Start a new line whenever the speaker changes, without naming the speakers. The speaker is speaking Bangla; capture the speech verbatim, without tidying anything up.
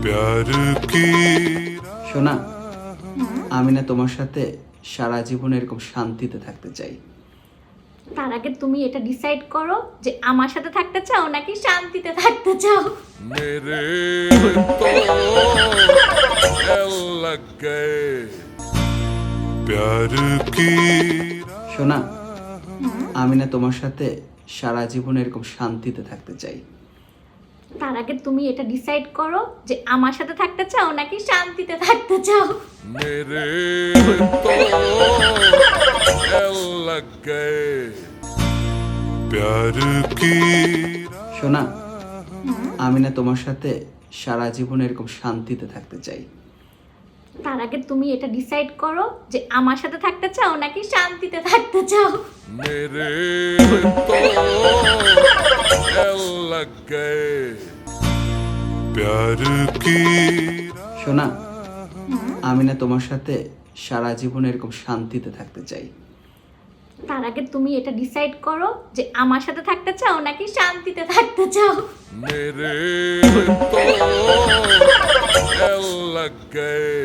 সোনা, আমি না তোমার সাথে সারা জীবন এরকম শান্তিতে থাকতে চাই।
তার আগে তুমি এটা ডিসাইড করো যে আমার সাথে থাকতে চাও নাকি শান্তিতে থাকতে চাও।
मेरे तो एल लग गए प्यार की।
সোনা, আমি না তোমার সাথে সারা জীবন এরকম শান্তিতে থাকতে চাই।
তার আগে তুমি এটা ডিসাইড করো যে আমার সাথে থাকতে চাও নাকি শান্তিতে থাকতে চাও।
मेरे तो एल लग गए प्यार की।
সোনা, আমি না তোমার সাথে সারা জীবন এরকম শান্তিতে থাকতে চাই।
তার আগে তুমি এটা ডিসাইড করো যে আমার সাথে থাকতে চাও নাকি শান্তিতে থাকতে চাও।
मेरे तो एल लग गए प्यार की।
সোনা, আমি না তোমার সাথে সারা জীবন এরকম শান্তিতে থাকতে চাই।
তার আগে তুমি এটা ডিসাইড করো যে আমার সাথে থাকতে চাও নাকি শান্তিতে থাকতে চাও।
मेरे तो एल लग गए